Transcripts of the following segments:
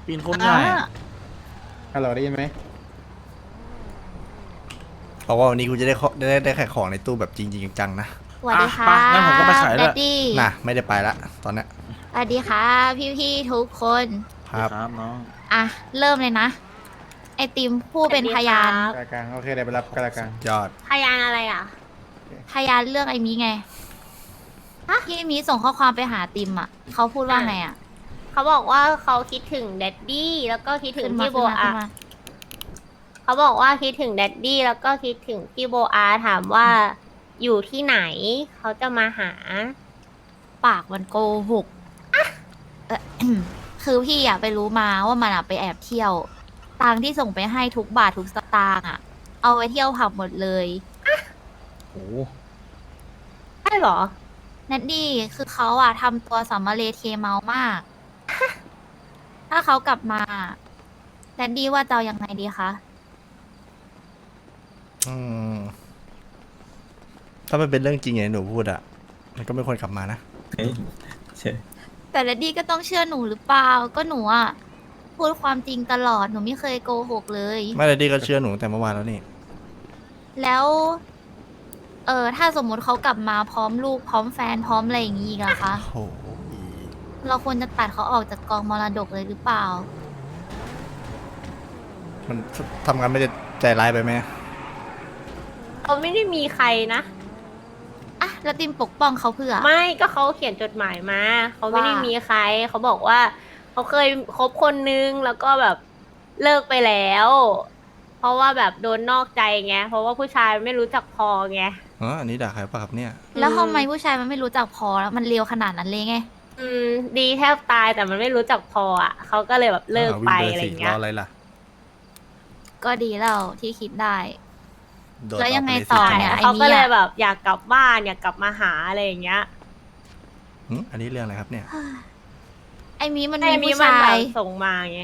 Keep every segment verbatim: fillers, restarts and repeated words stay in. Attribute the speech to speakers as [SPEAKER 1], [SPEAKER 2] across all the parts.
[SPEAKER 1] ปีนโคตรง่าย
[SPEAKER 2] ฮัลโหลได้ยินไหม
[SPEAKER 3] เพราะว่าวันนี้กูจะได้ขอได้ได้ขายของในตู้แบบจริงๆจังๆนะ
[SPEAKER 4] สวัสดีค่ะ
[SPEAKER 1] อ่ะไปงั้นผมก็ไปขายด้วย
[SPEAKER 4] แดดดี้
[SPEAKER 3] น่ะไม่ได้ไปละตอนเนี้ย
[SPEAKER 4] สวัสดีค่ะ พี่ๆทุกคน
[SPEAKER 3] ครับ
[SPEAKER 1] ครับน้อง
[SPEAKER 4] อ่ะ เริ่มเลยนะ ไอติมผู้เป็นพยาน
[SPEAKER 2] กลางกลางโอเคเดี๋ยวไปรับกลางกลาง
[SPEAKER 3] ยอด
[SPEAKER 5] พยานอะไรอ่ะ
[SPEAKER 4] พยานเรื่องไอมีไงที่มีส่งข้อความไปหาติมอ่ะเขาพูดว่าไงอ่ะ
[SPEAKER 5] เขาบอกว่าเขาคิดถึงแดดดี้แล้วก็คิดถึง
[SPEAKER 4] ขึ้นมา
[SPEAKER 5] พี่โบ
[SPEAKER 4] ขึ้นมา
[SPEAKER 5] อา
[SPEAKER 4] ขึ้นมา
[SPEAKER 5] เขาบอกว่าคิดถึงแดดดี้แล้วก็คิดถึงพี่โบอาถามว่าอยู่ที่ไหน เขาจะมาหา
[SPEAKER 4] ปากมันโกหกเอ่อ คือพี่อ่ะไปรู้มาว่ามันอ่ะไปแอบเที่ยว ตังค์ที่ส่งไปให้ทุกบาททุกสตางค์อ่ะ เอาไปเที่ยวผับหมดเลย
[SPEAKER 2] โอ้
[SPEAKER 5] ใช่เหรอ
[SPEAKER 4] แนดดี้คือเขาอ่ะทำตัวสัมมาเลเทเมามาก ถ้าเขากลับมาแนดดี้ว่าจะเอายังไงดีคะ
[SPEAKER 3] อืมถ้ามันเป็นเรื่องจริงอย่างที่หนูพูดอะมันก็ไม่ควรกลับมานะ
[SPEAKER 1] เฮ้ยเช่
[SPEAKER 4] แต่แนดดี้ก็ต้องเชื่อหนูหรือเปล่า ก็หนูอ่ะพูดความจริงตลอดหนูไม่เคยโกหกเลย
[SPEAKER 3] ไม่ได้ดีก็เชื่อหนูแต่เมื่อวานแล้วนี่
[SPEAKER 4] แล้ว เออถ้าสมมติเขากลับมาพร้อมลูกพร้อมแฟนพร้อมอะไรอย่างงี้อีกอะคะ
[SPEAKER 3] โอ้โห
[SPEAKER 4] เราควรจะตัดเขาออกจากกองมรดกเลยหรือเปล่า
[SPEAKER 3] มันทำงานไม่ได้ใจร้ายไปไหม
[SPEAKER 5] เขาไม่ได้มีใครนะ
[SPEAKER 4] อ่ะ แล้วติมปกป้องเขาเพื่อ
[SPEAKER 5] ไม่ก็เขาเขียนจดหมายมา เขาไม่ได้
[SPEAKER 4] ว่ามี
[SPEAKER 5] มีใคร เขาบอกว่า เขาเคยคบคนนึงแล้วก็แบบเลิกไปแล้ว เพราะว่าแบบโดนนอกใจไง เพราะว่าผู้ชายไม่รู้จักพอไง
[SPEAKER 3] อ๋ออันนี้ด่าใครป่ะครับเนี่ย
[SPEAKER 4] แล้วทำไมผู้ชายมันไม่รู้จักพอแล้วมันเลวขนาดนั้นเลยไง
[SPEAKER 5] อืม ดีแทบตายแต่มันไม่รู้จักพออ่ะ เขาก็เลยแบบเลิกไป
[SPEAKER 3] วิ่ง
[SPEAKER 5] อะไร
[SPEAKER 3] สิ
[SPEAKER 5] เงี้
[SPEAKER 3] ร
[SPEAKER 5] ย
[SPEAKER 3] ออะไรล่ะ
[SPEAKER 4] ก็ดีแล้วที่คิดได้
[SPEAKER 3] โดด
[SPEAKER 4] แล้วยังไง
[SPEAKER 3] กป
[SPEAKER 4] ต่อ
[SPEAKER 3] สิ
[SPEAKER 4] เนี่ย
[SPEAKER 5] เขาก็เลยแบบอยากกลับบ้านอยากกลับมาหาอะไรอย่างเงี้ย
[SPEAKER 3] หึอันนี้เรื่องอะไรครับเนี่ย
[SPEAKER 4] ไอ้มีมัน
[SPEAKER 5] ไอ้
[SPEAKER 4] มี
[SPEAKER 5] มี
[SPEAKER 4] ผู้
[SPEAKER 5] มัน
[SPEAKER 4] ชา
[SPEAKER 5] แบ
[SPEAKER 4] ย
[SPEAKER 5] บส่งมาไง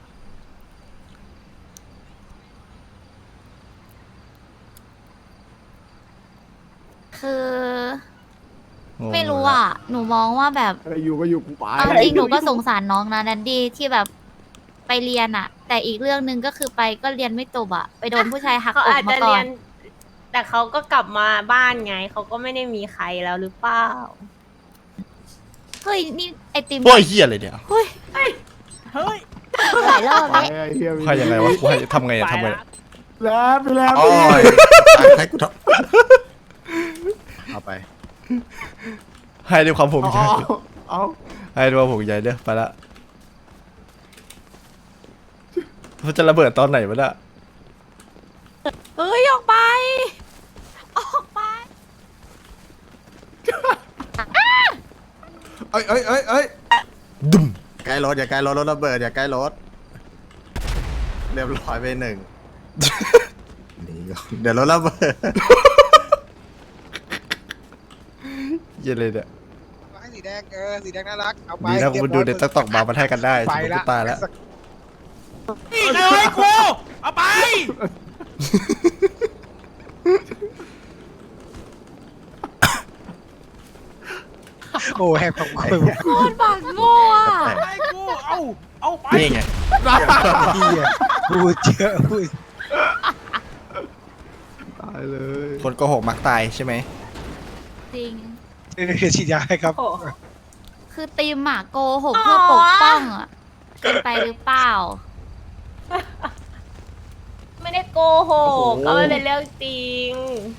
[SPEAKER 4] คือ
[SPEAKER 3] งง
[SPEAKER 4] ไม่รู้อ่ะ หนูมองว่าแบบ
[SPEAKER 2] อะไรอยู่ก็อยู่กูไป
[SPEAKER 4] เอาจริงหนูก็สงสารน้องนะแดนดี้ที่แบบไปเรียนอะแต่อีกเรื่องหนึ่งก็คือไปก็เรียนไม่จบอะไปโดนผู้ชายหัก
[SPEAKER 5] เขา
[SPEAKER 4] อก
[SPEAKER 5] อาจ
[SPEAKER 4] มา
[SPEAKER 5] จะ
[SPEAKER 4] ก่อ
[SPEAKER 5] เรีย
[SPEAKER 4] น
[SPEAKER 5] น แต่เขาก็กลับมาบ้านไง เขาก็ไม่ได้มีใครแล้วหรือเปล่า
[SPEAKER 4] เฮ้ย นี่ไอติม
[SPEAKER 3] พวกไอ้เหี้ยเลยเนี่ย
[SPEAKER 4] เฮ้ย
[SPEAKER 1] เฮ้ย
[SPEAKER 4] หลายรอบ
[SPEAKER 2] ไป
[SPEAKER 4] แล้ว
[SPEAKER 2] ไอ้เฮีย
[SPEAKER 3] ใครยังไงวะกูให้ทำไงอะ
[SPEAKER 5] ไป
[SPEAKER 3] ทำไง
[SPEAKER 5] ละ
[SPEAKER 2] แล้วไปแล้ว
[SPEAKER 3] โอ้ยให้กูท
[SPEAKER 2] เอาไป
[SPEAKER 3] ำให้ด้วยความผมใจ
[SPEAKER 2] เอาเอา
[SPEAKER 3] ให้ด้วยความผมใจเด้อไปละมันจะระเบิดตอนไหนวะเนี่ย
[SPEAKER 4] เฮ้ย ออกไป ออกไป
[SPEAKER 2] เอ้ยเอ้ยเอ้ยเอ้ย
[SPEAKER 3] ดุม
[SPEAKER 2] ใกล้รถอย่าใกล้รถรถระเบิดอย่าใกล้รถเรียบร้อยไปหนึ่งนี่ก่อนเดี๋ยวรถระเบิด
[SPEAKER 3] เย็นเลยเนี่ย
[SPEAKER 6] ให้สีแดงเออสีแดงน่ารักเอาไป
[SPEAKER 3] ดีนะ
[SPEAKER 6] เรียบ
[SPEAKER 3] มัน
[SPEAKER 6] ร้
[SPEAKER 3] ดู
[SPEAKER 6] อย
[SPEAKER 3] ในติ๊กต็อกมามันให้กันได้
[SPEAKER 6] ไป
[SPEAKER 3] สมม
[SPEAKER 6] ละ
[SPEAKER 3] ติตายแล้ว
[SPEAKER 1] นี่เลยกูเอาไป
[SPEAKER 6] โอ้แหกของคุย
[SPEAKER 4] โคตรปากโง่อะ
[SPEAKER 1] ไปกูเอาเอาไป
[SPEAKER 3] นี่ไง
[SPEAKER 6] พี่อ่ะพูดเยอะพูด
[SPEAKER 2] ตายเลย
[SPEAKER 3] คนโกหกมักตายใช่ไหม
[SPEAKER 4] จริง
[SPEAKER 6] นี่คือฉีดยาให้ครับ
[SPEAKER 5] โอ้
[SPEAKER 4] คือติมอะโกหกเพื่อปกป้องอะเป็นไปหรือเปล่า
[SPEAKER 5] ไม่ได้โกหกก็ไม่เป็นเรื่องจริง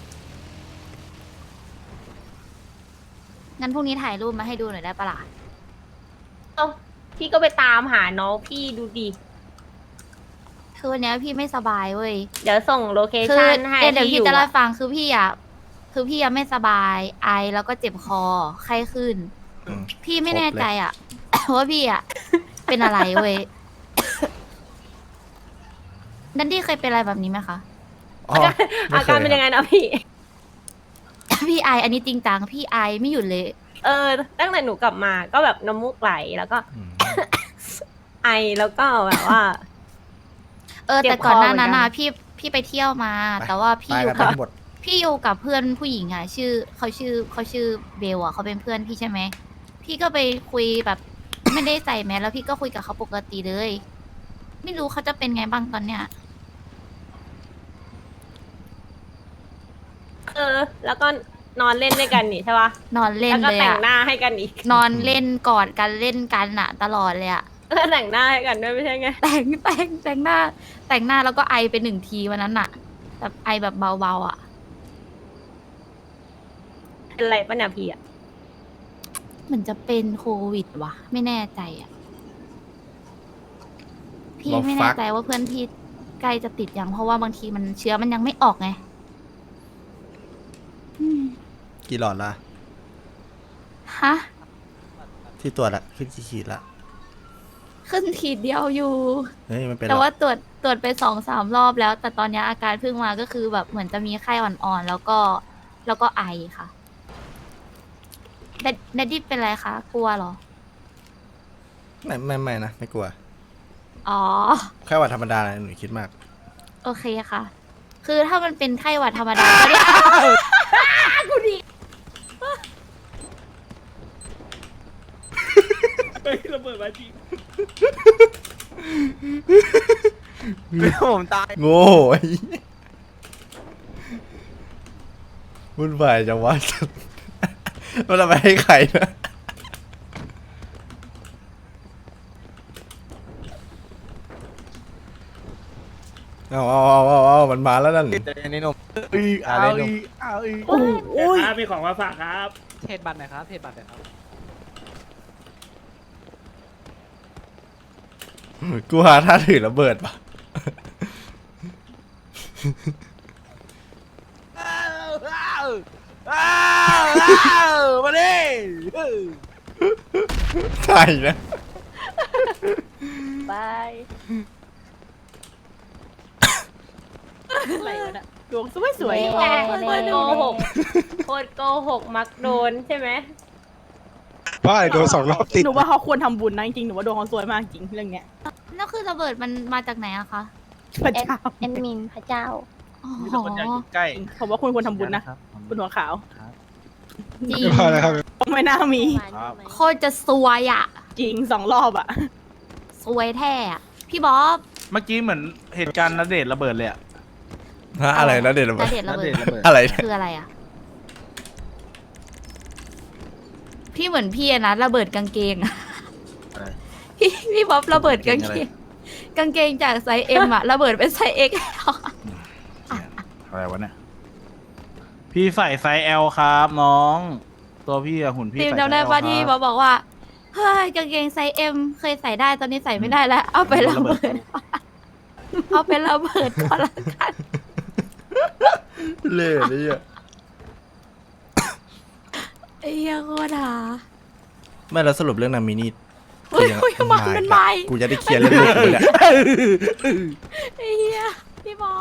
[SPEAKER 4] งั้นพรุ่งนี้ถ่ายรูปมาให้ดูหน่อยได้ปะล่ะ
[SPEAKER 5] เอ้าพี่ก็ไปตามหาน้องพี่ดูดิ
[SPEAKER 4] คือวันเนี้ยพี่ไม่สบายเว้ย
[SPEAKER 5] เดี๋ยวส่งโลเค
[SPEAKER 4] คือ
[SPEAKER 5] ชั่นให้
[SPEAKER 4] เดี๋ยวเดี๋ยว
[SPEAKER 5] ที่
[SPEAKER 4] พี่
[SPEAKER 5] อยู่
[SPEAKER 4] จะเล่า
[SPEAKER 5] อะ
[SPEAKER 4] ให้ฟังคือพี่อ่ะคือพี่ยังไม่สบายไอแล้วก็เจ็บคอไข้ขึ้น
[SPEAKER 3] อืม
[SPEAKER 4] พี่ไม่
[SPEAKER 3] ครบ
[SPEAKER 4] แน่
[SPEAKER 3] เลย
[SPEAKER 4] ใจอ่ะ ว่าพี่อ่ะ เป็นอะไรเว้ยดันดี้เคยเป็นอะไรแบบนี้ไหมคะ
[SPEAKER 3] อ๋อไม่
[SPEAKER 5] อา
[SPEAKER 3] เค
[SPEAKER 5] การ
[SPEAKER 3] ย
[SPEAKER 5] เป็นยัง
[SPEAKER 3] ค
[SPEAKER 5] ไง
[SPEAKER 3] รับ
[SPEAKER 5] นะพี่
[SPEAKER 4] พี่ไออันนี้จริงจังพี่ไอไม่หยุดเลย
[SPEAKER 5] เออ ตั้งแต่หนูกลับมาก็แบบน้ำมูกไหลแล้วก็
[SPEAKER 3] อืม
[SPEAKER 5] ไอแล้วก็แบบว่า
[SPEAKER 4] เออ
[SPEAKER 5] เจ็บ
[SPEAKER 4] แต่ก่อนหน้า
[SPEAKER 5] คอเหมือน
[SPEAKER 4] นั้น
[SPEAKER 5] กัน
[SPEAKER 4] นะพี่พี่ไปเที่ยวมา
[SPEAKER 3] ไป
[SPEAKER 4] แต่ว่าพี่
[SPEAKER 3] ตาย
[SPEAKER 4] อยู่
[SPEAKER 3] กัน
[SPEAKER 4] กับ
[SPEAKER 3] ทั้งหมด
[SPEAKER 4] พี่อยู่กับเพื่อนผู้หญิงอ่ะ ชื่อเขาชื่อเขาชื่อเบลอ่ะเขาเป็นเพื่อนพี่ใช่ไหมพี่ก็ไปคุยแบบไม่ได้ใส่แมสแล้วพี่ก็คุยกับเขาปกติเลย ไม่รู้เขาจะเป็นไงบ้างตอนเนี้ย
[SPEAKER 5] เออ แล้วก็นอนเล่นด้วยกันนี่ใช่ปะ
[SPEAKER 4] นอนเล่น
[SPEAKER 5] แล้วก็
[SPEAKER 4] เลย
[SPEAKER 5] แต่ง
[SPEAKER 4] อะ
[SPEAKER 5] หน้าให้กันอีก
[SPEAKER 4] นอนเล่นกอดกันเล่นกันอะตลอดเลยอะ
[SPEAKER 5] แล้วแต่งหน้าให้กันด้วยไม่ใช่ไง
[SPEAKER 4] แต่งแต่งแต่งหน้า แต่งหน้าแล้วก็ไอไปหนึ่งทีวันนั้นอะแบบไอแบบเบาๆอะ
[SPEAKER 5] เป็นไรปะเนี่ยพี่อะ
[SPEAKER 4] เหมือนจะเป็นโควิดวะไม่แน่ใจอะพี่
[SPEAKER 3] บอก
[SPEAKER 4] ไม่
[SPEAKER 3] ฟั
[SPEAKER 4] แน่
[SPEAKER 3] ก
[SPEAKER 4] ใจว่าเพื่อนพี่ใกล้จะติดยังเพราะว่าบางทีมันเชื้อมันยังไม่ออกไงอืม
[SPEAKER 3] กี่หลอดละ
[SPEAKER 4] ฮะ
[SPEAKER 3] ที่ตรวจละขึ้นกี่ขีดละ
[SPEAKER 4] ขึ้นขีดเดียวอยู่
[SPEAKER 3] เฮ้ยมันเป็นหร
[SPEAKER 4] แต่
[SPEAKER 3] อ
[SPEAKER 4] ว่าตรวจตรวจไปสองสามรอบแล้ว แต่ตอนนี้อาการเพิ่งมาก็คือแบบเหมือนจะมีไข้อ่อนๆ แล้วก็แล้วก็ไอค่ะแดดแดดดี้เป็นไรคะ กลัวเหรอ
[SPEAKER 3] ไม่ไม่ไม่นะไม่กลัว
[SPEAKER 4] อ๋อ
[SPEAKER 3] แค่หวัดธรรมดานะหนูคิดมาก
[SPEAKER 4] โอเคค่ะ คือถ้ามันเป็นไข้หวัดธรรมดาก็ได้ กูดี
[SPEAKER 1] เฮ้ยระเบิดมาจริง
[SPEAKER 2] ผมตาย
[SPEAKER 3] โง่ไอ้วุ่นวายจังวะ มันเอาไปให้ใครนะเอาเอาเอาเอาเอามันมาแล้วนั่น
[SPEAKER 2] นี่หนุ่ม
[SPEAKER 1] เอาอีกเอาอีกโอ้ยมีของมาฝากครับ
[SPEAKER 7] เทรดบัตรหน่อยครับ เทรดบัตรหน่อยครับ
[SPEAKER 3] กูหาท่าถือระเบิดปะ
[SPEAKER 1] อ้าวอ้าวอ้าวอ้าวมาดิ
[SPEAKER 3] ใช่นะ
[SPEAKER 5] บาย
[SPEAKER 7] อะไรวะเนี่ยดวงสวยสวย
[SPEAKER 5] โคตรโกหกโคตรโกหกมักโดนใช่ไหม
[SPEAKER 6] ว่าอะไรโดนสองรอบติด
[SPEAKER 7] หนูว่าเขาควรทำบุญนะจริงๆหนูว่าดวงเขาสวยมากจริงเรื่องเนี้ย
[SPEAKER 4] แล้วคือระเบิดมันมาจากไหนอะคะ
[SPEAKER 7] พระเจ้า
[SPEAKER 5] แอดมินพระเจ้า
[SPEAKER 4] อ๋อ
[SPEAKER 1] มีแต่คนอยากอยู่ใกล้
[SPEAKER 7] ผมว่าคุณควรทำบุญนะคุณหัวขาว
[SPEAKER 4] จริง
[SPEAKER 6] ไม่พอแล้วครับ
[SPEAKER 7] ไม่น่ามี
[SPEAKER 1] ครับ
[SPEAKER 4] โคตรจะซวยอะ
[SPEAKER 7] จริงสองรอบอ่ะ
[SPEAKER 4] ซวยแท้อะพี่บ๊อบ
[SPEAKER 1] เมื่อกี้เหมือนเหตุการณ์นเดชน์ระเบิดเลยอะ
[SPEAKER 3] ฮะอะไรนะเด็ดระเบิ
[SPEAKER 4] ณ
[SPEAKER 3] ด
[SPEAKER 4] เดชน์ระเบิด
[SPEAKER 1] ณเดชน์ระเบิด
[SPEAKER 3] อะไรเนี่ย
[SPEAKER 4] คืออะไรอะพี่เหมือนพี่อะนะระเบิดกางเกงอะ
[SPEAKER 2] อะไร
[SPEAKER 4] พี่พี่บ๊อบระเบิดกาง
[SPEAKER 2] กาง
[SPEAKER 4] เก
[SPEAKER 2] เก
[SPEAKER 4] ง
[SPEAKER 2] ง
[SPEAKER 4] กางเกงจากไซส์เอ็มอะระเบิดเป็นไซส์เอ็ก
[SPEAKER 1] อะไรวะเนี่ย พี่ใส่ไซส์ L ครับน้อง ตัวพี่อะหุ่นพี่
[SPEAKER 4] ทีม
[SPEAKER 1] ใส่ไซส์
[SPEAKER 4] จำได้
[SPEAKER 1] L
[SPEAKER 4] ป่ะ
[SPEAKER 1] ค
[SPEAKER 4] ที่
[SPEAKER 1] รั
[SPEAKER 4] บ๊อบบอกว่าเฮ้ยกางเกงไซส์เอ็มเคยใส่ได้ตอนนี้ใส่ไม่ได้แล้ว เอาไประเบิด เอาไประเบิดก่อนละกัน
[SPEAKER 3] เล่ห์นี่อ่ะ
[SPEAKER 4] ไอ้เหี้ยโคตรหา
[SPEAKER 3] ไม่แล้วสรุปเรื่องนามินี่
[SPEAKER 4] เฮ้ยเฮ้ยมันมันมาอีก
[SPEAKER 3] กูจะได้เคลียร์เรื่องลูกกูเนี่ย
[SPEAKER 4] ไอ้เหี้ยพี่บ๊อบ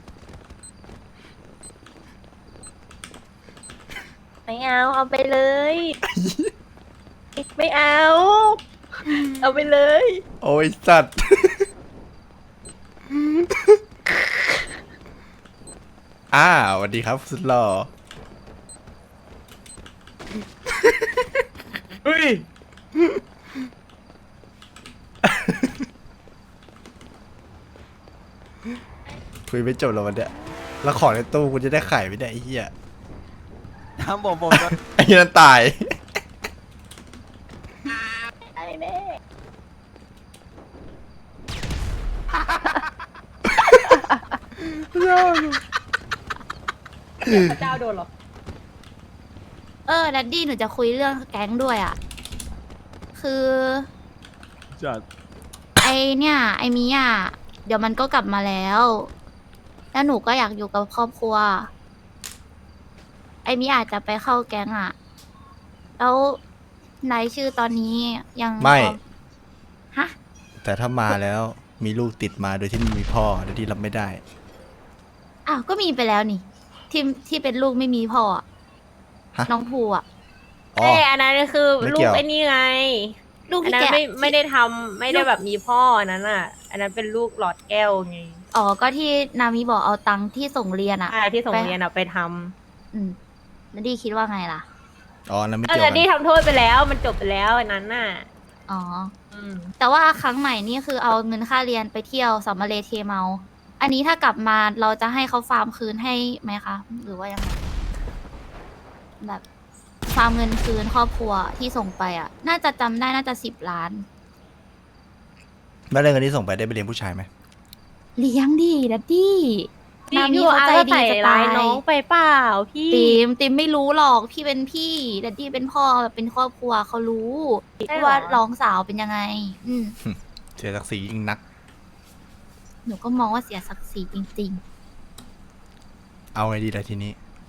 [SPEAKER 5] ไม่เอา เอาไปเลย ไม่เอา เอาไปเลย
[SPEAKER 3] โอ้ยสัตว์ อ้าวสวัสดีครับสุดหล่อ
[SPEAKER 1] เฮ้ย
[SPEAKER 3] คุยไม่จบแล้ววันเนี้ยแล้วของในตู้กูจะได้ขายไม่ได้ไอ้เหี้ย
[SPEAKER 2] ทำผมผม
[SPEAKER 3] ไอ้เหี้ยนั่นตาย
[SPEAKER 5] ไอ้แม่พระเจ้าโดนเหรอ
[SPEAKER 4] เออดัดดี้หนูจะคุยเรื่องแก๊งด้วยอ่ะ คือ
[SPEAKER 1] จัด
[SPEAKER 4] ไอเนี่ย ไอมิอ่ะเดี๋ยวมันก็กลับมาแล้ว แล้วหนูก็อยากอยู่กับครอบครัว ไอมิอาจจะไปเข้าแก๊งอ่ะ แล้วรายชื่อตอนนี้ยัง
[SPEAKER 3] ไม่
[SPEAKER 4] ฮะ
[SPEAKER 3] แต่ถ้ามาแล้วมีลูกติดมาโดยที่ไม่มีพ่อโดยที่รับไม่ได้
[SPEAKER 4] อ้าว ก็มีไปแล้วนี่ ที่ที่เป็นลูกไม่มีพ่ออะ
[SPEAKER 3] ฮะ
[SPEAKER 4] น้องภูอ่ะ
[SPEAKER 3] อ๋อ
[SPEAKER 5] เอ้ยอันนั้นคือ
[SPEAKER 3] ไม่
[SPEAKER 5] ลู
[SPEAKER 3] เกี่
[SPEAKER 5] ก
[SPEAKER 3] ยว
[SPEAKER 5] ไอ้นี่ไง
[SPEAKER 4] ลูก
[SPEAKER 5] อัน
[SPEAKER 4] ที่
[SPEAKER 5] นั้น
[SPEAKER 4] แก
[SPEAKER 5] ไม่ไม่ได้ทำไม่ได้แบบมีพ่ออันนั้นอ่ะ อันนั้นเป็นลูกหลอดแก้วไง
[SPEAKER 4] อ๋อ ก็ที่นามิบอกเอาตังค์ที่ส่งเรียนอ่ะ
[SPEAKER 5] ใช่ที่ส่ง
[SPEAKER 4] ไป
[SPEAKER 5] เรียนอ่ะไปท
[SPEAKER 4] อืมแล้วดีคิดว่าไงล่ะ
[SPEAKER 3] อ๋อนั่นไม่
[SPEAKER 5] ำเอ
[SPEAKER 3] เกี่ยว
[SPEAKER 5] อ
[SPEAKER 3] กัน
[SPEAKER 5] นี่ทำโทษไปแล้วมันจบไปแล้วอันนั้นน่ะ
[SPEAKER 4] อ๋อ
[SPEAKER 5] อืม
[SPEAKER 4] แต่ว่าครั้งใหม่นี่คือเอาเงินค่าเรียนไปเที่ยวสัมมาเลเทเมา อันนี้ถ้ากลับมาเราจะให้เขาฟาร์มคืนให้ไหมคะ หรือว่ายังไง แบบฟาร์มเงินคืนครอบครัวที่ส่งไปอ่ะ น่าจะจำได้น่าจะสิบล้าน
[SPEAKER 3] แล้วเรื่องเงินที่ส่งไปได้ไปเลี้ยงผู้ชายไหม
[SPEAKER 4] เลี้ยงดีดัดดี้
[SPEAKER 5] พี่
[SPEAKER 4] นามี
[SPEAKER 5] ดู
[SPEAKER 4] เขา
[SPEAKER 5] อา
[SPEAKER 4] ใจ
[SPEAKER 5] ก็
[SPEAKER 4] ดี
[SPEAKER 5] ใส่
[SPEAKER 4] จะ
[SPEAKER 5] ร้า
[SPEAKER 4] ตาย ย
[SPEAKER 5] น้องไปเปล่าพี่
[SPEAKER 4] ติมติมไม่รู้หรอกพี่เป็นพี่ดัดดี้เป็นพ่อแบบเป็นครอบครัวเขารู้
[SPEAKER 5] ใช่เหรอ
[SPEAKER 4] ว่าน้องสาวเป็นยังไง อืม
[SPEAKER 3] เสียศักดิ์ศรียิ่งนัก
[SPEAKER 4] หนูก็มองว่าเสียศักดิ์ศรีจริง
[SPEAKER 3] เอาไงดีล่ะทีนี้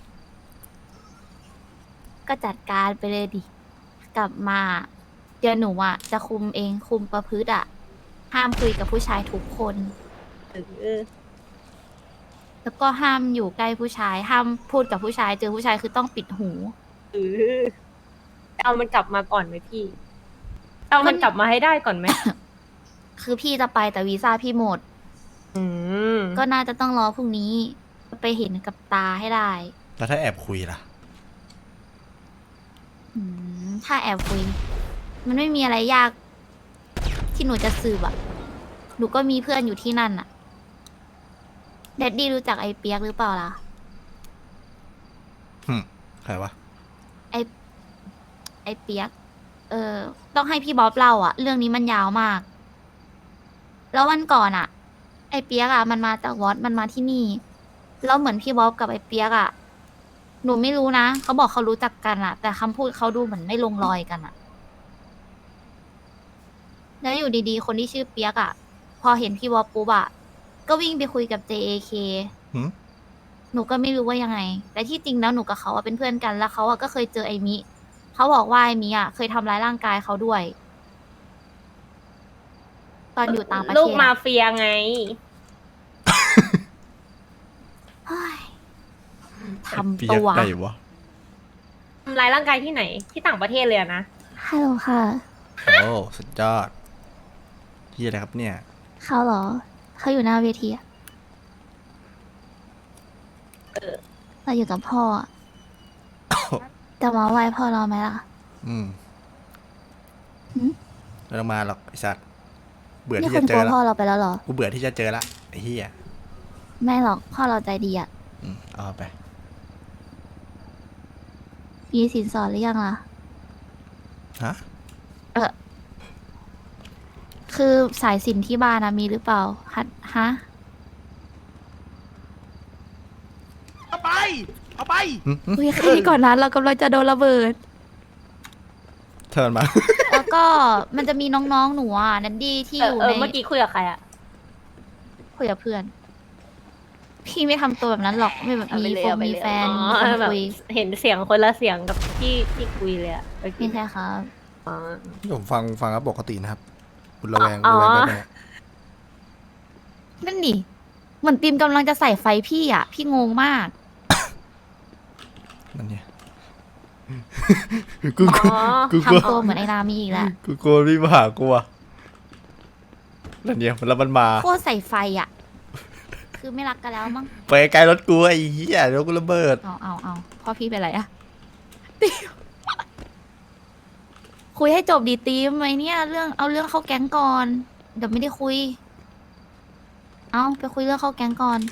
[SPEAKER 4] ๆ ก็จัดการไปเลยดิ กลับมา เดี๋ยวหนูอ่ะ จะคุมเองคุมประพฤติอ่ะ ห้ามคุยกับผู้ชายทุกคน
[SPEAKER 5] เออ
[SPEAKER 4] แล้วก็ห้ามอยู่ใกล้ผู้ชาย ห้ามพูดกับผู้ชาย เจอผู้ชายคือต้องปิดหู
[SPEAKER 5] เออเอามันกลับมาก่อนไหมพี่ เอามัน
[SPEAKER 4] มัน
[SPEAKER 5] กลับมาให้ได้ก่อนไหม
[SPEAKER 4] คือพี่จะไปแต่วีซ่าพี่หมด
[SPEAKER 5] อืม
[SPEAKER 4] ก็น่าจะต้องรอพรุ่งนี้ ไปเห็นกับตาให้ได้
[SPEAKER 3] แล้วถ้าแอบคุยล่ะ
[SPEAKER 4] อืมถ้าแอบคุย มันไม่มีอะไรยาก ที่หนูจะสืบอะหนูก็มีเพื่อนอยู่ที่นั่นอะแดดดี้รู้จักไอ้เปียกหรือเปล่าล่ะ
[SPEAKER 3] หึใครวะ
[SPEAKER 4] ไอ้ไอ้เปียก เออ ต้องให้พี่บ๊อบเล่าอะเรื่องนี้มันยาวมาก แล้ววันก่อนอะไอ้เปียกอะมันมาจากวอดมันมาที่นี่ แล้วเหมือนพี่บ๊อบกับไอ้เปียกอะหนูไม่รู้นะเขาบอกเขารู้จักกันอะแต่คำพูดเขาดูเหมือนไม่ลงรอยกันอะแล้วอยู่ดีๆ คนที่ชื่อเปียกอะพอเห็นพี่บ๊อบปุ๊บอะก็วิ่งไปคุยกับ เจ เอ เค
[SPEAKER 3] หึ
[SPEAKER 4] หนูก็ไม่รู้ว่ายังไง แต่ที่จริงแล้วหนูกับเขาอะเป็นเพื่อนกัน แล้วเขาอะก็เคยเจอไอ้มิ เขาบอกว่าไอ้มิอะเคยทำร้ายร่างกายเขาด้วย ตอนอยู่ต่างประเทศ
[SPEAKER 5] ลูกมา
[SPEAKER 4] อะ
[SPEAKER 5] เฟียไง
[SPEAKER 4] เฮ้ย
[SPEAKER 3] เปี
[SPEAKER 4] ทำ
[SPEAKER 3] ย
[SPEAKER 4] ตั
[SPEAKER 3] ก
[SPEAKER 4] ว
[SPEAKER 3] ไหนวะ
[SPEAKER 5] ทำร้ายร่างกายที่ไหน ที่ต่างประเทศเลยอะนะ
[SPEAKER 4] ฮัลโหลค่ะ
[SPEAKER 3] โอ้สุดยอดที่อะไรครับเนี่ย
[SPEAKER 4] เขาเหรอ เขาอยู่หน้าเวทีอะเราอยู่กับพ่ออะจะมาไหว้พ่อเราไหมล่ะ
[SPEAKER 3] อืม
[SPEAKER 4] หึ
[SPEAKER 3] ไม่ต้องมาหรอกไอ้สัตว์เบื่อ
[SPEAKER 4] นี่
[SPEAKER 3] ที่
[SPEAKER 4] คุ
[SPEAKER 3] จะ
[SPEAKER 4] ณ
[SPEAKER 3] เจ
[SPEAKER 4] กลั
[SPEAKER 3] อ
[SPEAKER 4] ว
[SPEAKER 3] ละ
[SPEAKER 4] พ่อเราไปแล้วเหรอ
[SPEAKER 3] กูเบื่อที่จะเจอละไอ้เหี้ย
[SPEAKER 4] ไม่หรอก พ่อเราใจดีอะ
[SPEAKER 3] อืมเอาไป
[SPEAKER 4] มีสินสอดหรือยังล่ะ
[SPEAKER 3] ฮะ
[SPEAKER 4] เออ คือสายสินที่บ้านนะมีหรือเปล่าฮัดฮะ
[SPEAKER 1] เอาไป เอาไป
[SPEAKER 3] หึหึ
[SPEAKER 4] คุยแค่นี้ก่อนนะเรากำลังจะโดนระเบิด
[SPEAKER 3] เทิร์นมา
[SPEAKER 4] แล้วก็มันจะมีน้องๆหนูอ่ะนันดี้ที่
[SPEAKER 5] เอ
[SPEAKER 4] อ
[SPEAKER 5] อยู่ เอ
[SPEAKER 4] ใน
[SPEAKER 5] อเมื่อกี้คุยกับใครอะ
[SPEAKER 4] คุยกับเพื่อน พี่ไม่ทำตัวแบบนั้นหรอกไม่แบบ
[SPEAKER 5] เอา
[SPEAKER 4] มี
[SPEAKER 5] ไปเลย
[SPEAKER 4] ฟง
[SPEAKER 5] เอาไป
[SPEAKER 4] มี
[SPEAKER 5] เลย
[SPEAKER 4] แฟน
[SPEAKER 5] อ๋
[SPEAKER 4] มี
[SPEAKER 5] อ
[SPEAKER 4] คน
[SPEAKER 5] แบบ
[SPEAKER 4] คุย
[SPEAKER 5] เห็นเสียงคนละเสียงกับที่ที่คุยเลยอะเมื่อ
[SPEAKER 4] ไม่
[SPEAKER 5] กี้
[SPEAKER 4] ใช่ครับ
[SPEAKER 5] อ๋อ
[SPEAKER 3] ผมฟังฟังแล้วปกตินะครับ คุณระแวง
[SPEAKER 5] อ๋อ
[SPEAKER 3] ระแวงไปไหมเนี่ย
[SPEAKER 4] นั่นดิเหมือนติมกำลังจะใส่ไฟพี่อ่ะ พี่งงมาก
[SPEAKER 3] นั่นเนี่ย กูกู
[SPEAKER 5] อ๋อ
[SPEAKER 3] กูกลัว
[SPEAKER 4] ทำตัวเหมือนไอ้นามีอีกแล้ว
[SPEAKER 3] กูกลัวพี่มาหากูอะนั่นเนี่ยแล้วมันมา
[SPEAKER 4] โคตรใส่ไฟอ่ะ คือไม่รักกันแล้วมั้ง
[SPEAKER 3] ไปไกลรถกูไอ้เหี้ยเดี๋ยวกูระเบิด
[SPEAKER 4] เอาเอาเอาพ่อพี่เป็นไรอะติมคุยให้จบดีติมไอเนี่ยเรื่องเอาเรื่องเข้าแก๊งก่อน เดี๋ยวไม่ได้คุย เอาไปคุยเรื่องเข้าแก๊งก่อน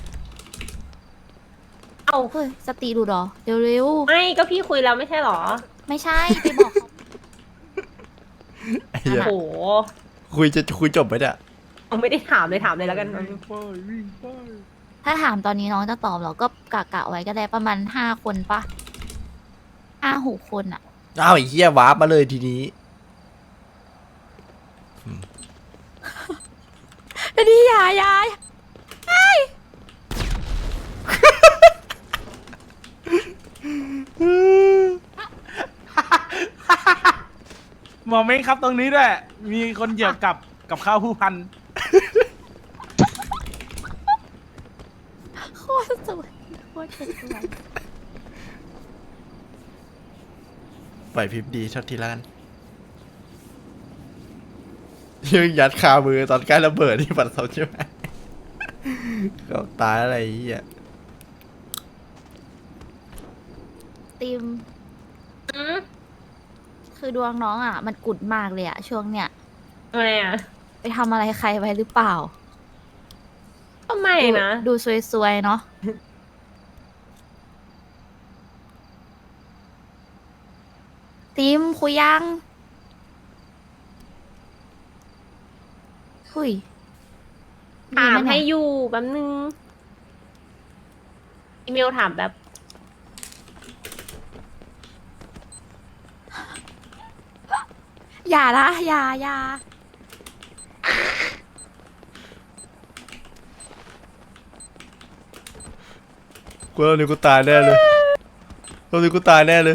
[SPEAKER 5] เอา
[SPEAKER 4] เฮ้ยสติดูดเหรอเร็ว
[SPEAKER 5] ไม่ก็พี่คุยแล้วไม่ใช่เหรอ
[SPEAKER 4] ๆไม่ใช่ไปบอกเขา
[SPEAKER 3] ไอ้เหี้ย
[SPEAKER 5] โอ้โห
[SPEAKER 3] คุยจะคุยจบไหมเนี่ย
[SPEAKER 5] เอาไม่ได้ถามเลยถามเลยแล้วกัน
[SPEAKER 4] ถ้าถามตอนนี้น้องจะตอบเหรอ ก็กะกะไว้ก็ได้ประมาณห้าคนปะห้าหกคนอะ
[SPEAKER 3] อ้าวไอ้เหี้ยวาร์ปมาเลยทีนี้
[SPEAKER 4] ดีอย่าอย่า
[SPEAKER 1] หมอเม้งครับตรงนี้ด้วย มีคนเหยียบกับกับข้าวผู้พัน
[SPEAKER 4] โคตรสวยโคตรสวย
[SPEAKER 3] ปล่อยพิมพ์ดีเท่าทีละกันยังยัดคามือตอนใกล้ระเบิดที่ปัดเสาใช่ไหมเขาตายอะไรไอ้เหี้ย
[SPEAKER 4] ติม
[SPEAKER 5] อืม
[SPEAKER 4] คือดวงน้องอ่ะ มันกุดมากเลยอ่ะ ช่วงเนี้ย
[SPEAKER 5] ทำไมอ่ะ
[SPEAKER 4] ไปทำอะไรใครไว้หรือเปล่า
[SPEAKER 5] ก็ไม่นะ
[SPEAKER 4] ดูซวยๆเนาะ ติมคุยยังคุย
[SPEAKER 5] ถาม
[SPEAKER 4] ดีไห
[SPEAKER 5] ให้
[SPEAKER 4] เนี่ย
[SPEAKER 5] อยู่แป๊บนึง อีเมลถามแบบ
[SPEAKER 4] อย่านะอย่าอย่า
[SPEAKER 3] กูตอนนี้กูตายแน่เลยตอนนี้กูตายแน่เลย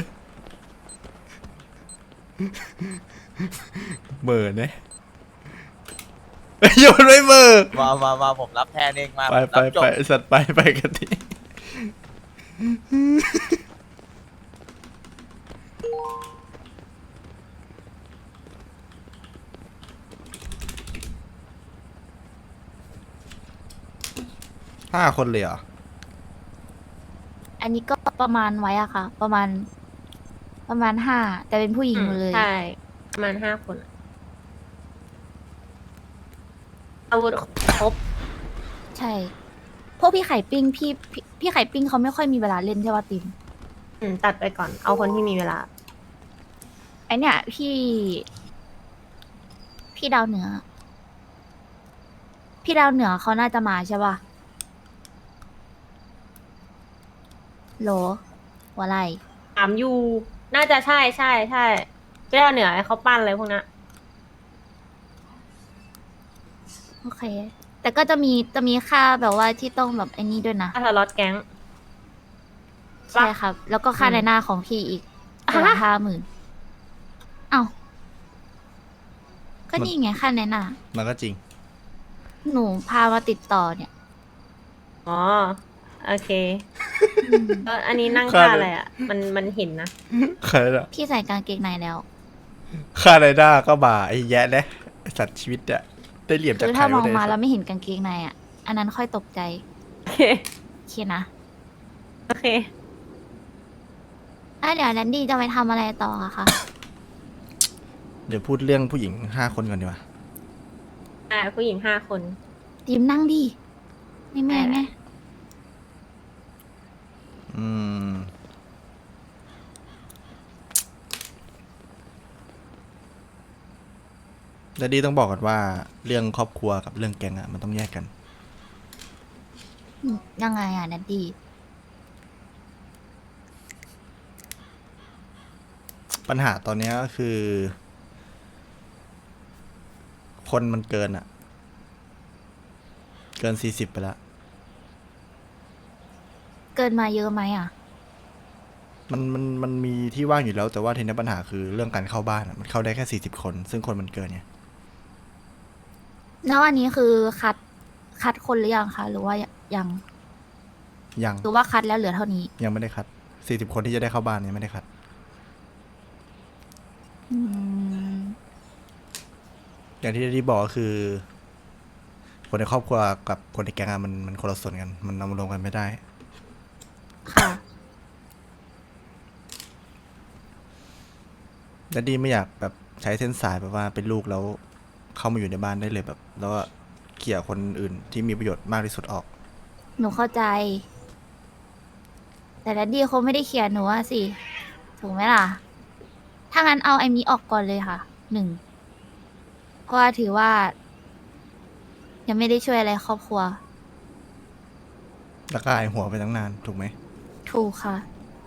[SPEAKER 3] เหม่อเนี่ยเฮ้ยโยนไม่เหม่อ
[SPEAKER 8] มามามาผมรับแทนเองมา
[SPEAKER 3] ไป
[SPEAKER 8] ผม
[SPEAKER 3] ไป
[SPEAKER 8] รับจ
[SPEAKER 3] ไป
[SPEAKER 8] บ
[SPEAKER 3] ไอ้สัตว์ไปไปกันทีห้าคนเลยเหรอ
[SPEAKER 4] อันนี้ก็ประมาณไว้อะค่ะ ประมาณ ประมาณห้าแต่เป็นผู้หญิงหมดเลย
[SPEAKER 5] ใช่ ประมาณห้าคนอะอาวุธครบ
[SPEAKER 4] ใช่ พวกพี่ไข่ปิ้งพี่พี่พี่ไข่ปิ้งเขาไม่ค่อยมีเวลาเล่นใช่ป่ะติม
[SPEAKER 5] อืมตัดไปก่อน เอาคนที่มีเวลา
[SPEAKER 4] ไอเนี่ยพี่ พี่ดาวเหนือ พี่ดาวเหนือเขาน่าจะมาใช่ป่ะโหลหัวไหล
[SPEAKER 5] ถามอยู่ น่าจะใช่ใช่ใช่เจ้าเหนือให้เขาปั้นอะไรพวกนั้น
[SPEAKER 4] โอเค แต่ก็จะมีจะมีค่าแบบว่าที่ต้องแบบไอ้นี่ด้วยนะ
[SPEAKER 5] ถ้าสล็อตแก๊ง
[SPEAKER 4] ใช่ครับ แล้วก็ค่า
[SPEAKER 5] อืม
[SPEAKER 4] ในหน้าของพี่อีก
[SPEAKER 5] อ่ะ
[SPEAKER 4] คนละห้าหมื่นเอ้าก็นี่ไงค่าในหน้า
[SPEAKER 3] มันก็จริง
[SPEAKER 4] หนูพามาติดต่อเนี่ย
[SPEAKER 5] อ๋อ โอเคเอออันนี้นั่ง
[SPEAKER 3] ค่า
[SPEAKER 5] ท่า
[SPEAKER 3] เลย
[SPEAKER 5] อะไรอ่ะ มันมันเห็นนะ
[SPEAKER 3] ใครล่ะ
[SPEAKER 4] พี่ใส่กางเกงในแล้ว
[SPEAKER 3] ค่าไรด้าก็บ่าไอ้แยะนะไอ้สัตว์ชีวิตอะได้เหลี่ยมจาก
[SPEAKER 4] คือ
[SPEAKER 3] ใคร
[SPEAKER 4] ถ้ามอง
[SPEAKER 3] วะเนี่ย
[SPEAKER 4] มาแล้วไม่เห็นกางเกงในอ่ะ อันนั้นค่อยตกใจ
[SPEAKER 5] โอเค
[SPEAKER 4] โอเคนะ
[SPEAKER 5] โอเค
[SPEAKER 4] อ่ะเดี๋ยวแลนดี้จะไปทำอะไรต่ออะคะ
[SPEAKER 3] เดี๋ยวพูดเรื่องผู้หญิงห้าคนก่อนดีกว่า
[SPEAKER 5] อ่า ผู้หญิงห้าคน
[SPEAKER 4] ติมนั่งดิไม่แม่ไง
[SPEAKER 3] อืมแต่ดีต้องบอกก่อนว่าเรื่องครอบครัวกับเรื่องแก๊งอะมันต้องแยกกัน
[SPEAKER 4] อืมยังไงอ่ะแลนดี้
[SPEAKER 3] ปัญหาตอนเนี้ยก็คือ คนมันเกินอะเกินสี่สิบไปแล้ว
[SPEAKER 4] เกินมาเยอะไหมอ่ะ
[SPEAKER 3] มันมันมันมีที่ว่างอยู่แล้ว แต่ว่าทีนี้ปัญหาคือเรื่องการเข้าบ้านอะมันเข้าได้แค่สี่สิบคน ซึ่งคนมันเกินไง
[SPEAKER 4] แล้วอันนี้คือคัดคัดคนหรือยังคะ หรือว่ายัง
[SPEAKER 3] ยัง
[SPEAKER 4] หรือว่าคัดแล้วเหลือเท่านี้
[SPEAKER 3] ยังไม่ได้คัดสี่สิบคนที่จะได้เข้าบ้านยังไม่ได้คัด
[SPEAKER 4] อืม
[SPEAKER 3] อย่างที่ที่บอกก็คือ คนในครอบครัวกับคนในแก๊งอะมันมันคนละส่วนกัน มันเอามารวมกันไม่ได้
[SPEAKER 4] ค่ะ
[SPEAKER 3] และดีไม่อยากแบบใช้เส้นสายแบบว่าเป็นลูกแล้วเข้ามาอยู่ในบ้านได้เลยแบบ แล้วก็เขี่ยคนอื่นที่มีประโยชน์มากที่สุดออก
[SPEAKER 4] หนูเข้าใจ แต่แดดดี้เขาไม่ได้เขียนหนูอะสิ ถูกไหมล่ะ ถ้างั้นเอาไอ้มีออกก่อนเลยค่ะ หนึ่ง เพราะว่าถือว่า ยังไม่ได้ช่วยอะไรครอบครัว
[SPEAKER 3] แล้วก็หายหัวไปตั้งนานถูกไหม
[SPEAKER 4] ถูกค่ะ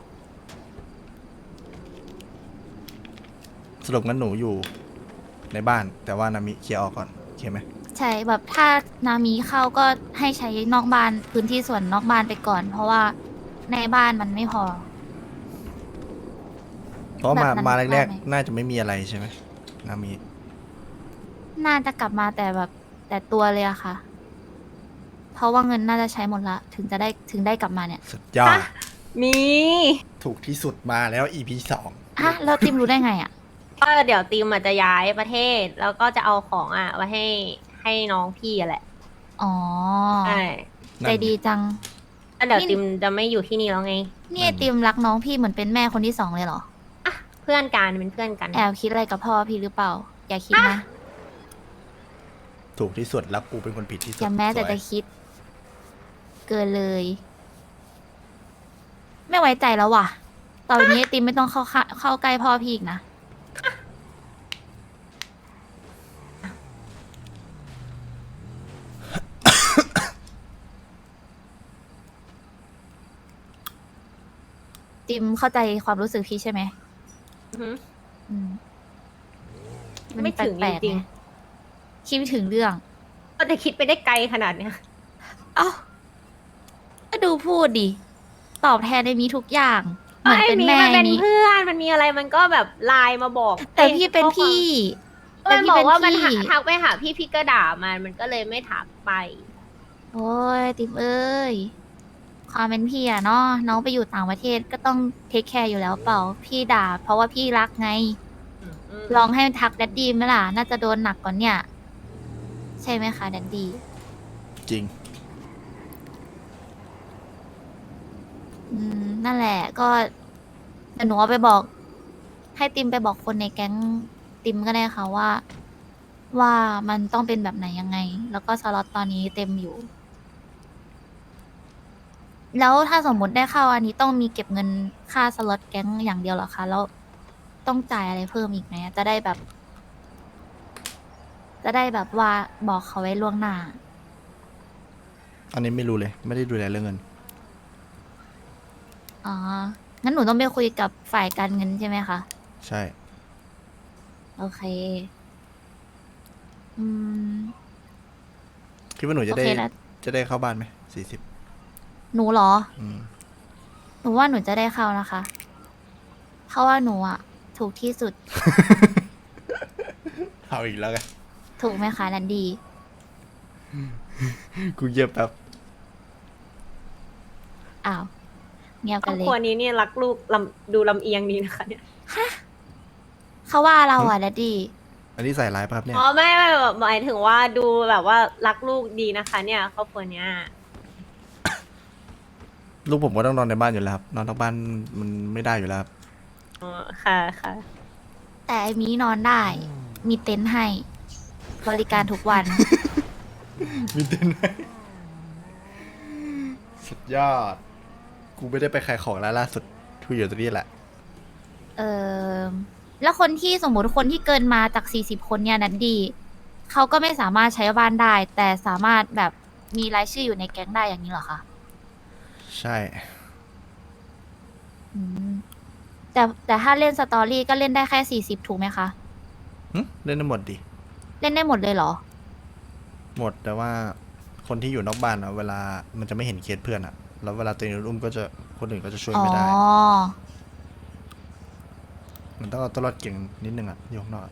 [SPEAKER 3] สรุปงั้นหนูอยู่ในบ้าน แต่ว่านามิเคลียร์ออกก่อนโอเคไหม
[SPEAKER 4] ใช่แบบถ้านามีเข้าก็ให้ใช้นอกบ้านพื้นที่ส่วนนอกบ้านไปก่อน เพราะว่าในบ้านมันไม่พอ
[SPEAKER 3] เพราะมา
[SPEAKER 4] แบบนั้น
[SPEAKER 3] มาแรก
[SPEAKER 4] ได้ไหม
[SPEAKER 3] ๆน่าจะไม่มีอะไรใช่ไหมนามิ
[SPEAKER 4] น่าจะกลับมาแต่แบบแต่ตัวเลยอะค่ะ เพราะว่าเงินน่าจะใช้หมดละ ถึงจะได้ถึงได้กลับมาเนี่ย
[SPEAKER 3] สุดยอด
[SPEAKER 5] ฮะ มี
[SPEAKER 3] ถูกที่สุดมาแล้ว อี พี สอง
[SPEAKER 4] ฮะแล้วติมรู้ได้ไงอะ
[SPEAKER 5] ก็เดี๋ยวทีมอาจจะย้ายประเทศ แล้วก็จะเอาของอ่ะไว้ให้ให้น้องพี่อะแหละ
[SPEAKER 4] อ๋อ
[SPEAKER 5] ใช่
[SPEAKER 4] ใจดีจัง
[SPEAKER 5] แล้วเดี๋ยว
[SPEAKER 4] นี่
[SPEAKER 5] ทีมจะไม่อยู่ที่นี่แล้วไง
[SPEAKER 4] นี่ไอติมรักน้องพี่เหมือนเป็นแม่คนที่สองเลยเหรอ
[SPEAKER 5] เพื่อนกันเป็นเพื่อนกัน
[SPEAKER 4] แอบคิดอะไรกับพ่อพี่หรือเปล่า อย่าคิดนะ
[SPEAKER 3] ถูกที่สุดแล้วกูเป็นคนผิดที่สุด
[SPEAKER 4] อย่าแม้แต่
[SPEAKER 3] สวย
[SPEAKER 4] จะคิด เกินเลย ไม่ไว้ใจแล้วว่ะ ต่อไปนี้ไอติมไม่ต้องเข้าข้าเข้าใกล้พ่อพี่อีกนะ ติมเข้าใจความรู้สึกพี่ใช่ไหม
[SPEAKER 5] อือหือ
[SPEAKER 4] อืมน
[SPEAKER 5] ไม่ถึง
[SPEAKER 4] แปลกๆ
[SPEAKER 5] จริงๆ
[SPEAKER 4] ไคิดไม่ถึงเรื่อง
[SPEAKER 5] ก็จะคิดไปได้ไกลขนาดเนี้ย
[SPEAKER 4] เอ้าก็ดูพูดดิ ตอบแทนในมีทุกอย่าง เหมือนเป็นแม่
[SPEAKER 5] มันเป็น
[SPEAKER 4] นี้
[SPEAKER 5] เพื่อน มันมีอะไรมันก็แบบไลน์มาบอก
[SPEAKER 4] แต่พี่เป็นพี่ แต่
[SPEAKER 5] มัน
[SPEAKER 4] พี่
[SPEAKER 5] บอก
[SPEAKER 4] เป็น
[SPEAKER 5] ว่ามัน
[SPEAKER 4] พี่
[SPEAKER 5] หาทักไปหาพี่พี่ก็ด่ามัน มันก็เลยไม่ทักไป
[SPEAKER 4] โอ้ยติมเอ้ย ความเป็นพี่อะเนาะน้องไปอยู่ต่างประเทศก็ต้องเทคแคร์อยู่แล้วเปล่า พี่ด่า เพราะว่าพี่รักไง ลองให้ทักแดดดี้ไหมล่ะ น่าจะโดนหนักกว่าเนี่ย ใช่ไหมคะแดดดี้
[SPEAKER 3] จริง
[SPEAKER 4] อืม นั่นแหละก็เดี๋ยวหนูเอาไปบอก ให้ติมไปบอกคนในแก๊งติมก็ได้ค่ะว่า ว่ามันต้องเป็นแบบไหนยังไง แล้วก็สล็อตตอนนี้เต็มอยู่ แล้วถ้าสมมุติได้เข้าอันนี้ต้องมีเก็บเงินค่าสล็อตแก๊งอย่างเดียวเหรอคะ แล้วต้องจ่ายอะไรเพิ่มอีกไหมจะได้แบบ จะได้แบบว่าบอกเขาไว้ล่วงหน้า
[SPEAKER 3] อันนี้ไม่รู้เลย ไม่ได้ดูแลเรื่องเงิน
[SPEAKER 4] อ๋อ งั้นหนูต้องไปคุยกับฝ่ายการเงินใช่ไหมคะ
[SPEAKER 3] ใช่
[SPEAKER 4] โอเค อืม
[SPEAKER 3] คิดว่าหนูจะได้
[SPEAKER 4] โอเคแล้ว
[SPEAKER 3] จะได้เข้าบ้านไหมสี่สิบ
[SPEAKER 4] หนูเหรอ
[SPEAKER 3] อืม
[SPEAKER 4] หนูว่าหนูจะได้เข้านะคะ เพราะว่าหนูอะถูกที่สุด
[SPEAKER 3] เอาอีกแล้วไง
[SPEAKER 4] ถูกไหมคะนันดี
[SPEAKER 3] กูเย็บแบบ
[SPEAKER 4] อ้าว เงียบ
[SPEAKER 5] คร
[SPEAKER 4] กั
[SPEAKER 5] อน บ
[SPEAKER 4] เล
[SPEAKER 5] ครัวย นี้เนี่ยรักลูกลำดูลำเอียงดีนะคะเนี่ย
[SPEAKER 4] เขาว่าเราอะนันดี
[SPEAKER 3] อันนี้ใส่ร้ายป่ะครับเนี่ย
[SPEAKER 5] อ๋อไม่ไม่แบบหมายถึงว่าดูแบบว่ารักลูกดีนะคะ เนี่ยครอบครัวเนี้ย
[SPEAKER 3] ลูกผมก็ต้องนอนในบ้านอยู่แล้วครับ นอนนอกบ้านมันไม่ได้อยู่แล้วครับ
[SPEAKER 5] อ๋อค่ะค่ะ
[SPEAKER 4] แต่ไอ้มีนอนได้ มีเต็นท์ให้ บริการทุกวัน
[SPEAKER 3] มีเต้นไหมสุดยอด กูไม่ได้ไปขายของแล้วล่าสุดทุยอยู่ตรงนี้แหละ
[SPEAKER 4] เออแล้วคนที่สมมุติคนที่เกินมาจากสี่สิบคนเนี่ยนันดี เขาก็ไม่สามารถใช้บ้านได้ แต่สามารถแบบมีรายชื่ออยู่ในแก๊งได้อย่างนี้เหรอคะ
[SPEAKER 3] ใช่
[SPEAKER 4] อืมแต่แต่ถ้าเล่นสตอรี่ก็เล่นได้แค่สี่สิบถูกไหมคะ
[SPEAKER 3] หึเล่นได้หมดดิ
[SPEAKER 4] เล่นได้หมดเลยเหรอ
[SPEAKER 3] หมดแต่ว่าคนที่อยู่นอกบ้านอะเวลามันจะไม่เห็นเคสเพื่อนอะแล้วเวลาตัวเองโดนอุ้มก็จะคนอื่นก็จะช่วย
[SPEAKER 4] อ๋อ
[SPEAKER 3] ไม่ได้ มันต้องเอาตัวรอดเก่งนิดนึงอะอยู่ข้างนอกอะ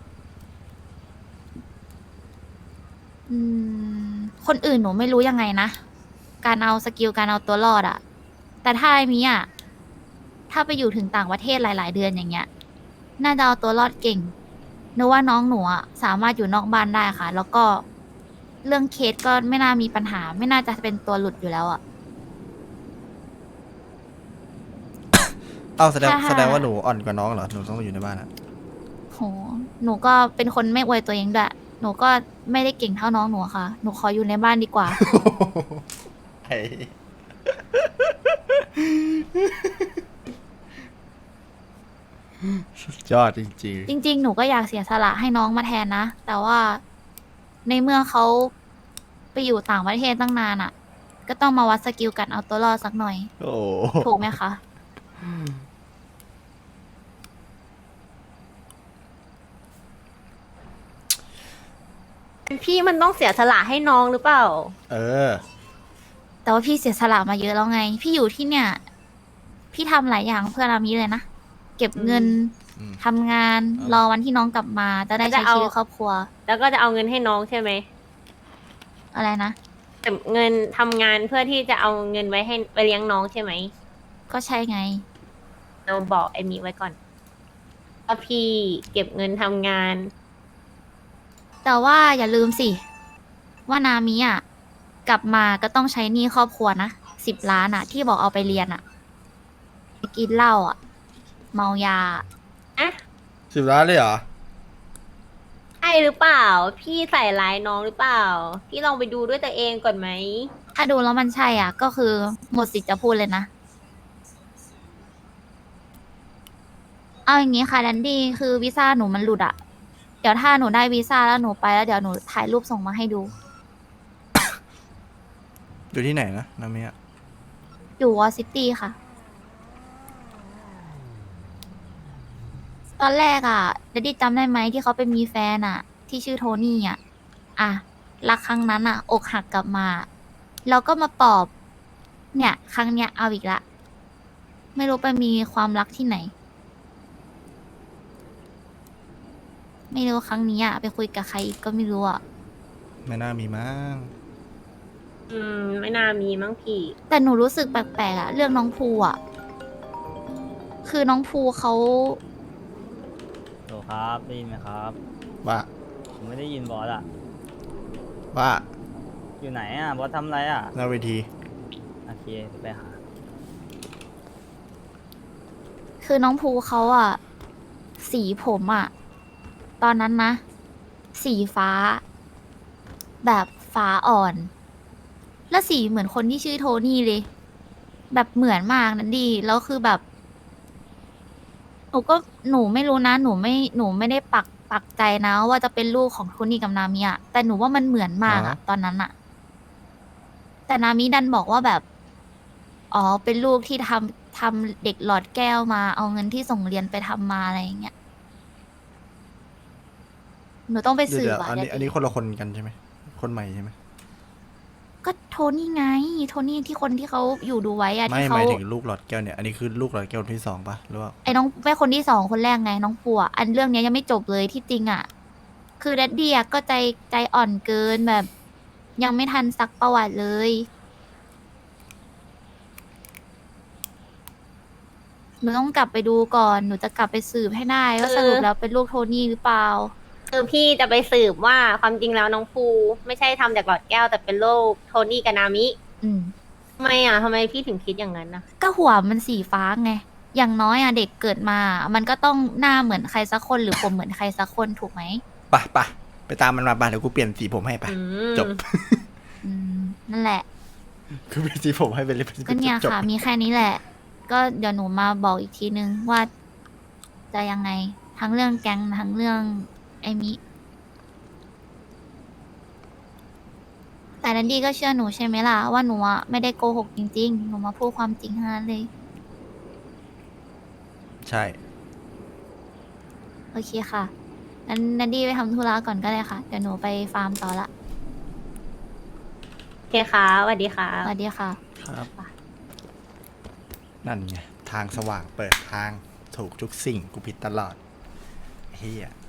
[SPEAKER 4] อืม คนอื่นหนูไม่รู้ยังไงนะ การเอาสกิลการเอาตัวรอดอะแต่ถ้าไอ้มีอะถ้าไปอยู่ถึงต่างประเทศหลาย ๆ เดือนอย่างเงี้ย น่าจะเอาตัวรอดเก่งนึกว่าน้องหนูอะสามารถอยู่นอกบ้านได้ค่ะ แล้วก็เรื่องเคสก็ไม่น่ามีปัญหา ไม่น่าจะเป็นตัวหลุดอยู่แล้วอะ
[SPEAKER 3] เอ้าแสดง
[SPEAKER 4] ถ้า
[SPEAKER 3] แสดงว่าหนูอ่อนกว่าน้องเหรอ หนูต้องอยู่ในบ้านอะ
[SPEAKER 4] โห หนูก็เป็นคนไม่อวยตัวเองด้วย หนูก็ไม่ได้เก่งเท่าน้องหนูอะค่ะ หนูขออยู่ในบ้านดีกว่า
[SPEAKER 3] ไอ้สุดยอดจริง
[SPEAKER 4] จริง ๆ หนูก็อยากเสียสละให้น้องมาแทนนะ แต่ว่าในเมื่อเขาไปอยู่ต่างประเทศตั้งนานอะ่ะ ก็ต้องมาวัดสกิลกันเอาตัวรอดสักหน่อย
[SPEAKER 3] ๆ โอ้
[SPEAKER 4] ถูกไหมคะ
[SPEAKER 5] พี่มันต้องเสียสละให้น้องหรือเปล่า
[SPEAKER 3] เออ
[SPEAKER 4] แต่ว่าพี่เสียสละมาเยอะแล้วไง พี่อยู่ที่เนี่ย พี่ทำหลายอย่างเพื่อรามีเลยนะ เก็บเงิน
[SPEAKER 3] อืม
[SPEAKER 4] ทำงาน
[SPEAKER 3] อืม
[SPEAKER 4] รอวันที่น้องกลับมา จะได้
[SPEAKER 5] จะ
[SPEAKER 4] ใช้
[SPEAKER 5] เอา
[SPEAKER 4] ชีวิตครอบครัว
[SPEAKER 5] แล้วก็จะเอาเงินให้น้องใช่ไหม
[SPEAKER 4] อะไรนะ
[SPEAKER 5] เก็บเงินทำงานเพื่อที่จะเอาเงินไว้ให้ไปเลี้ยงน้องใช่ไหม
[SPEAKER 4] ก็ใช่ไง
[SPEAKER 5] เราบอกไอ้มีไว้ก่อนว่าพี่เก็บเงินทำงาน
[SPEAKER 4] แต่ว่าอย่าลืมสิ ว่านามิอ่ะ กลับมาก็ต้องใช้หนี้ครอบครัวนะสิบล้านอ่ะ ที่บอกเอาไปเรียนอ่ะไปกินเหล้าอ่ะ เมายา
[SPEAKER 5] อะ
[SPEAKER 3] สิบล้านเลยเหรอ
[SPEAKER 5] ใช่หรือเปล่า พี่ใส่ร้ายน้องหรือเปล่า พี่ลองไปดูด้วยตัวเองก่อนไหม
[SPEAKER 4] ถ้าดูแล้วมันใช่อ่ะ ก็คือหมดสิทธิ์จะพูดเลยนะ เอาอย่างงี้ค่ะแดนดี้คือวีซ่าหนูมันหลุดอ่ะ เดี๋ยวถ้าหนูได้วีซ่าแล้วหนูไปแล้วเดี๋ยวหนูถ่ายรูปส่งมาให้ดู
[SPEAKER 3] อยู่ที่ไหนนะนามิอะ
[SPEAKER 4] อยู่วอซิตี้ค่ะ ตอนแรกอ่ะเดดดี้จำได้ไหมที่เขาไปมีแฟนอ่ะ ที่ชื่อโทนี่อ่ะ อ่ะ รักครั้งนั้นอ่ะ อกหักกลับมา เราก็มาปลอบ เนี่ย ครั้งเนี้ยเอาอีกละ ไม่รู้ไปมีความรักที่ไหน ไม่รู้ครั้งนี้อ่ะ ไปคุยกับใครอีกก็ไม่รู้อ่ะ
[SPEAKER 3] ไม่น่ามีมั้ง
[SPEAKER 5] อืม ไม่น่ามีมั้งพี่
[SPEAKER 4] แต่หนูรู้สึกแปลกๆอะเรื่องน้องภูอะคือน้องภูเขา
[SPEAKER 9] โหลครับได้ยินไหมครับ
[SPEAKER 3] ว่า
[SPEAKER 9] ผมไม่ได้ยินบอสอะ
[SPEAKER 3] ว่า
[SPEAKER 9] อยู่ไหนอะบอสทำอะไรอะ
[SPEAKER 3] หน้าเวที
[SPEAKER 9] โอเคเดี๋ยวไปหา
[SPEAKER 4] คือน้องภูเขาอะสีผมอะตอนนั้นนะ สีฟ้า แบบฟ้าอ่อน แล้วสีเหมือนคนที่ชื่อโทนี่เลย แบบเหมือนมากนั่นดีแล้วคือแบบ หนูก็หนูไม่รู้นะ หนูไม่หนูไม่ได้ปักปักใจนะ ว่าจะเป็นลูกของโทนี่กับนามิอะแต่หนูว่ามันเหมือนมากอะตอนนั้นอะแต่นามิดันบอกว่าแบบ อ๋อ เป็นลูกที่ทำทำเด็กหลอดแก้วมา เอาเงินที่ส่งเรียนไปทำมาอะไรอย่างเงี้ย หนูต้องไป
[SPEAKER 3] เดี๋ยว
[SPEAKER 4] สืบ
[SPEAKER 3] เดี๋ยว
[SPEAKER 4] อะ
[SPEAKER 3] อันนี้
[SPEAKER 4] เดี๋ยว
[SPEAKER 3] อันนี้คนละคนกันใช่ไหม คนใหม่ใช่ไหม
[SPEAKER 4] ก็โทนี่ไง โทนี่ที่คนที่เขาอยู่ดูไว้อะ
[SPEAKER 3] ไม่
[SPEAKER 4] ที่
[SPEAKER 3] ห
[SPEAKER 4] เขา
[SPEAKER 3] มายถึงลูกหลอดแก้วเนี่ย อันนี้คือลูกหลอดแก้วคนที่สองปะหรือว่า
[SPEAKER 4] ไอ้น้องแม่คนที่สองคนแรกไงน้องปัวอันเรื่องเนี้ยยังไม่จบเลยที่จริงอะคือแดดดี้อะก็ใจใจอ่อนเกินแบบ ยังไม่ทันซักประวัติเลย หนูต้องกลับไปดูก่อน หนูจะกลับไปสืบให้ได้ว่า
[SPEAKER 5] เออ
[SPEAKER 4] สรุปแล้วเป็นลูกโทนี่หรือเปล่า
[SPEAKER 5] คือพี่จะไปสืบว่าความจริงแล้วน้องภูไม่ใช่ทำจากหลอดแก้วแต่เป็นโรคโทนี่กับนามิ
[SPEAKER 4] อืม
[SPEAKER 5] ทำไมอ่ะทำไมพี่ถึงคิดอย่างนั้นนะ
[SPEAKER 4] ก็หัวมันสีฟ้าไง อย่างน้อยอะเด็กเกิดมา มันก็ต้องหน้าเหมือนใครสักคนหรือผมเหมือนใครสักคนถูกไหม
[SPEAKER 3] ไปไปไปตามมันมาไปเดี๋ยวกูเปลี่ยนสีผมให้ไป
[SPEAKER 5] อืม
[SPEAKER 3] จบ
[SPEAKER 4] อืม นั่นแหละ
[SPEAKER 3] กูเปลี่ยนสีผมให้ไปเลย
[SPEAKER 4] ก็เนี่ย
[SPEAKER 3] จบ
[SPEAKER 4] ค่ะ มีแค่นี้แหละ ก็เดี๋ยวหนูมาบอกอีกทีนึงว่าจะยังไง ทั้งเรื่องแก๊งทั้งเรื่องไอมิ แต่นันดีก็เชื่อหนูใช่ไหมล่ะ ว่าหนูอะไม่ได้โกหกจริงๆ หนูมาพูดความจริงเท่านั้นเลย
[SPEAKER 3] ใช่
[SPEAKER 4] โอเคค่ะงั้นนันดีไปทำธุระก่อนก็ได้ค่ะ เดี๋ยวหนูไปฟาร์มต่อละ
[SPEAKER 5] โอเคค่ะสวัสดีค่ะ
[SPEAKER 4] สวัสดีค่ะ
[SPEAKER 3] ครับ นั่นไง ทางสว่างเปิดทางถูกทุกสิ่งกูผิดตลอดเฮีย